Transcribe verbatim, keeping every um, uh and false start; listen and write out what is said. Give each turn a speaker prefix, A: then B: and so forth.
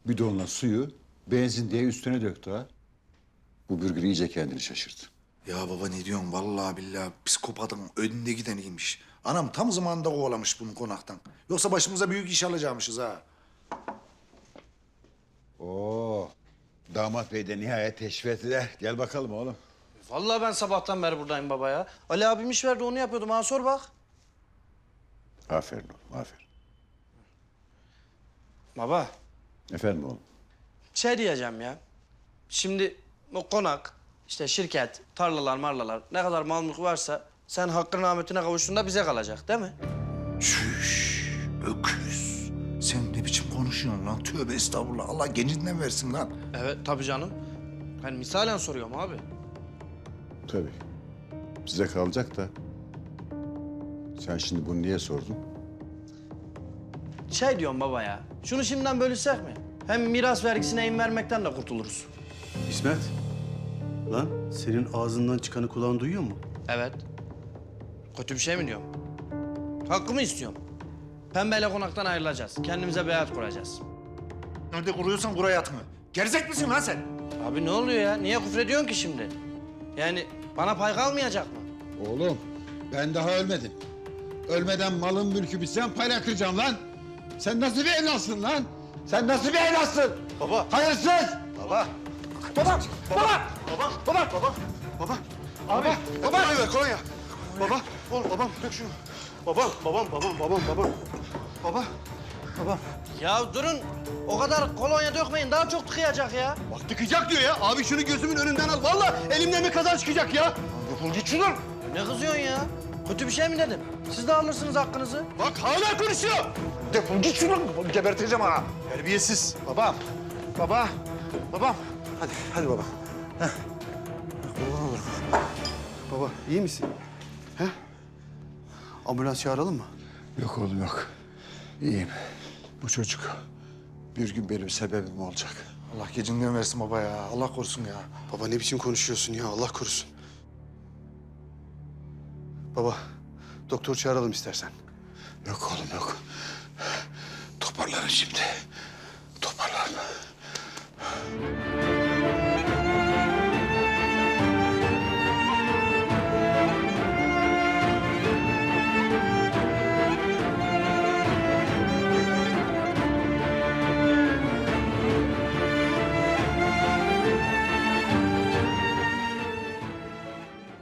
A: bidonla suyu benzin diye üstüne döktü ha. Bu bürgür iyice kendini şaşırdı.
B: Ya baba ne diyorsun? Vallahi billahi psikopatın önünde gideniymiş. Anam tam zamanında kovalamış bunu konaktan. Yoksa başımıza büyük iş alacakmışız ha.
A: Oo, damat bey de nihayet teşrif ettiler. Gel bakalım oğlum.
C: Vallahi ben sabahtan beri buradayım baba ya. Ali abim iş verdi onu yapıyordum. Ha sor bak.
A: Aferin oğlum, aferin.
C: Baba
A: Efendim oğlum.
C: şey diyeceğim ya. Şimdi o konak, işte şirket, tarlalar, marlalar ne kadar mal mülk varsa sen hakkın rahmetine kavuştuğunda bize kalacak değil mi?
B: Çüş, öküz. Sen ne biçim konuşuyorsun lan? Tövbe estağfurullah. Allah gencinden versin lan.
C: Evet tabii canım. Ben misalen soruyorum abi.
A: Tabii. Size kalacak da. Sen şimdi bunu niye sordun?
C: Şey diyorum baba ya. Şunu şimdiden bölüşsek mi? Hem miras vergisine in vermekten de kurtuluruz.
D: İsmet, lan senin ağzından çıkanı kulağın duyuyor mu?
C: Evet. Kötü bir şey mi diyorum? Hakkımı istiyorum. Pembeyle konaktan ayrılacağız. Kendimize beyat kuracağız.
B: Nerede kuruyorsan kur hayatını. Gerizek misin lan sen?
C: Abi ne oluyor ya? Niye küfrediyorsun ki şimdi? Yani bana pay kalmayacak mı?
A: Oğlum, ben daha ölmedim. Ölmeden malın mülkü bitsem payla kıracağım lan. Sen nasıl bir evlatsın lan? Sen nasıl bir evlatsın?
D: Baba.
A: Hayırsız!
D: Baba.
B: Baba! Baba!
D: Baba. Baba. Baba. Baba. Abi. Baba. Kolonya ver kolonya. Baba. Oğlum babam dök şunu. Babam. Babam. Babam. Babam. Babam. Baba. Babam.
C: Ya durun. O kadar kolonya dökmeyin. Daha çok tıkayacak ya.
D: Bak tıkayacak diyor ya. Abi şunu gözümün önünden al. Vallahi elimden bir kazan çıkacak ya.
B: Defol git şuradan.
C: Ne kızıyorsun ya? Kötü bir şey mi dedim? Siz de alırsınız hakkınızı.
D: Bak hala konuşuyor.
B: Defol git şuradan. Geberteceğim ha.
D: Terbiyesiz.
B: Babam. Baba. Babam. Hadi, hadi baba. Heh. Kurban olurum.
D: Baba iyi misin? He? Ambulans çağıralım mı?
A: Yok oğlum yok. İyiyim. Bu çocuk bir gün benim sebebim olacak.
B: Allah gecinden versin baba ya. Allah korusun ya.
D: Baba ne biçim konuşuyorsun ya Allah korusun. Baba doktor çağıralım istersen.
A: Yok oğlum yok. Toparlarım şimdi. Toparlarım.